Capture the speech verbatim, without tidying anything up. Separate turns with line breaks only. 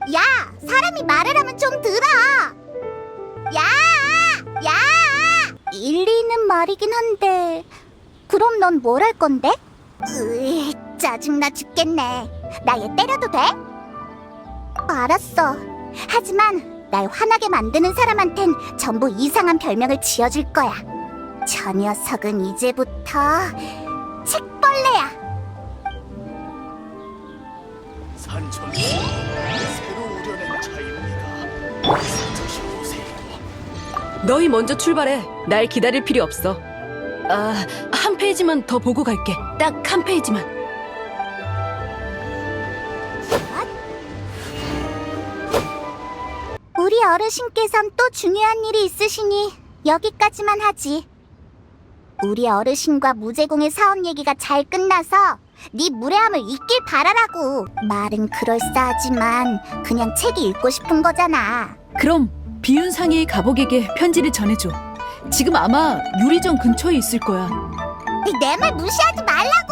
야, 사람이 말을 하면 좀 들어. 야, 야. 일리 있는 말이긴 한데 그럼 넌 뭘 할 건데? 으이, 짜증나 죽겠네. 나 얘 때려도 돼? 알았어. 하지만 날 화나게 만드는 사람한텐 전부 이상한 별명을 지어줄 거야. 저 녀석은 이제부터 책벌레야.
산천수 새로 우려낸 차입니다. 사자시 보세요.
너희 먼저 출발해. 날 기다릴 필요 없어. 아, 한 페이지만 더 보고 갈게. 딱 한 페이지만.
우리 어르신께선 또 중요한 일이 있으시니 여기까지만 하지. 우리 어르신과 무제공의 사업 얘기가 잘 끝나서 네 무례함을 잊길 바라라고. 말은 그럴싸하지만 그냥 책이 읽고 싶은 거잖아.
그럼 비윤상의 가복에게 편지를 전해줘. 지금 아마 유리정 근처에 있을 거야.
내 말 무시하지 말라고.